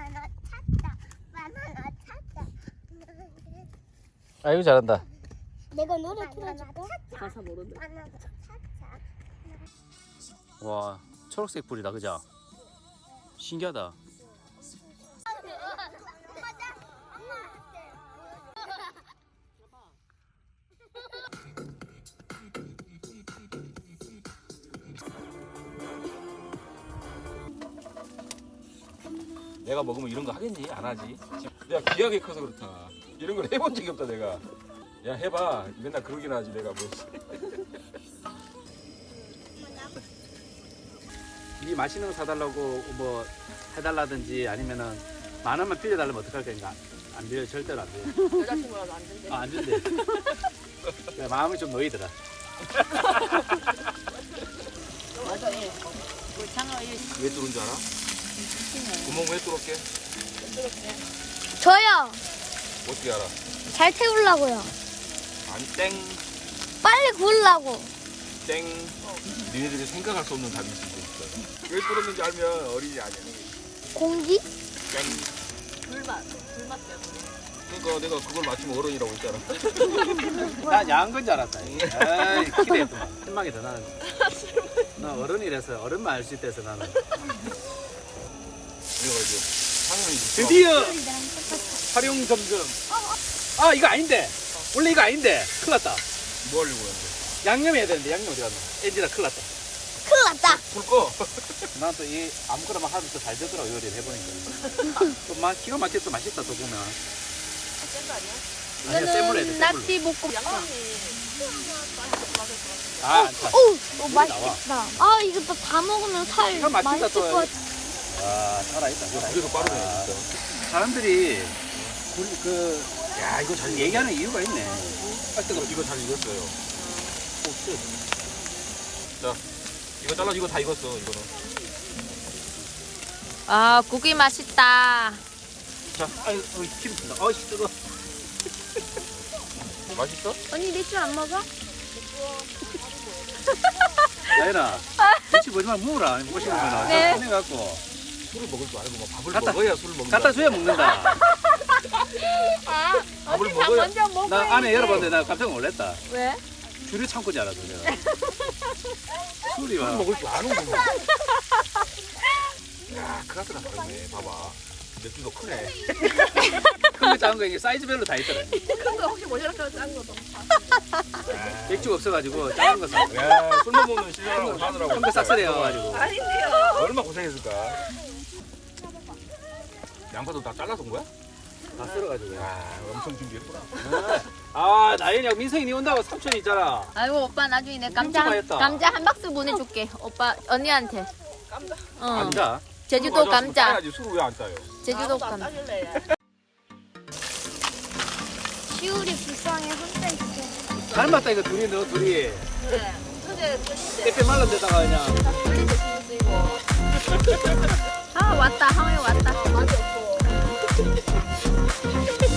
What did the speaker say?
바나나 찾자. 바나나 찾자. 아이고 잘한다. 내가 노래 틀어줄까? 가사 모르는데. 바나나 찾자. 와 초록색 불이다 그죠? 신기하다. 내가 먹으면 이런 거 하겠니? 안 하지. 야 귀하게 커서 그렇다. 이런 걸 해본 적이 없다 내가. 야 해봐. 맨날 그러긴 하지 내가 뭐. 네 맛있는 거 사달라고 뭐 해달라든지 아니면은 만 원만 빌려달라면 어떡할 거니까 안 빌려 절대로 안 빌려. 여자친구라도 안 준대. 안 준대. 그래, 마음이 좀 놓이더라. 맞아, 예. 우리 장어 이 왜 뚫은 줄 알아? 구멍 왜 뚫었게? 저요. 어떻게 알아? 잘 태우려고요. 아니 땡. 빨리 구우려고. 땡. 니네들이 생각할 수 없는 답이 있을 수 있어. 왜 뚫었는지 알면 어린이 아니야. 공기? 땡. 불맛 때문에. 그러니까 내가 그걸 맞추면 어른이라고 했잖아. 난 야한 건 줄 알았다. 에이, 기대했구만. 실망이다 나는. 나 어른이라서 어른만 알 수 있다 해서 나는. 그래가지고 상현이 드디어 활용 점검. 아 이거 아닌데. 원래 이거 아닌데. 큰일 났다. 뭐 하려고 했는데? 양념 해야 되는데 양념 어디 갔나? 엔지나 큰일 났다. 큰일 났다. 불 꺼. 난 또 이 아무거나 막 하면 또 잘 되더라고 요리를 해보니까. 또 기가 막혀 또 맛있다 또 보면. 센거 아니야? 아니야 센 물로 해야 돼. 센 물로. 낙지 볶음. 양념이 아 안 차. 오, 맛있겠다. 아, 이거 또 다 먹으면 살 이거 맛있다, 맛있을 또. 것 같아. 와 살아있다. 그래서 빠르네 진짜. 사람들이 야 이거 잘 얘기하는 이유가 있네. 이거 잘 익었어요. 오, 자 이거 잘라 이거 다 익었어 이거는. 아, 고기 맛있다. 자, 아유, 기름 튼다. 아이씨 뜨거. 맛있어? 언니 맥주 안 먹어? 나연아, 김치 보지 말고 먹어라. 먹고 싶으면 네. 꺼내갖고 술을 먹을 줄 알고 뭐 밥을 갖다- 먹어야 술을 먹는다. 갖다 줘야 먹는다. 아, 밥을 언니 다 먹어야- 먼저 먹어야지. 나 안에 열어봤는데 나 깜짝 놀랐다. 왜? 줄이 참고 자라서 내가. 술이 술 막. 먹을 줄 아는구나. 야, 크라스가 다르네. 봐봐. 맥주도 크네. 큰거 작은 거 이게 사이즈별로 다 있더라. 큰거 혹시 모자랄까 작은 거도. 맥주가 없어가지고 작은 거 사. 야, 술만 먹는 신랑하고 사느라고. 큰거 싹쓸이해가지고. 아닌데요. 얼마나 고생했을까. 양파도 다 잘라서 온 거야? 다 썰어가지고. 야, 엄청 준비했구나. 아 나연이하고 민성이 니 온다고 삼촌이 있잖아. 아이고, 오빠 나중에 내 엄청 맛있다. 감자 한 박스 보내줄게. 오빠, 언니한테. 감자. 어. 감자. 제주도 감자. 따야지. 술을 왜 안 따요? 제주도 아무도 안 감자. 따질래. 시울이 불쌍해 혼자 있어. 닮았다 이거 둘이 너 둘이. 네. 근데 끝인데. 빼빼 말른 데다가 그냥. 돌리 대신 쓰이고. 아, 왔다. 하모이 왔다. 맛이 없고.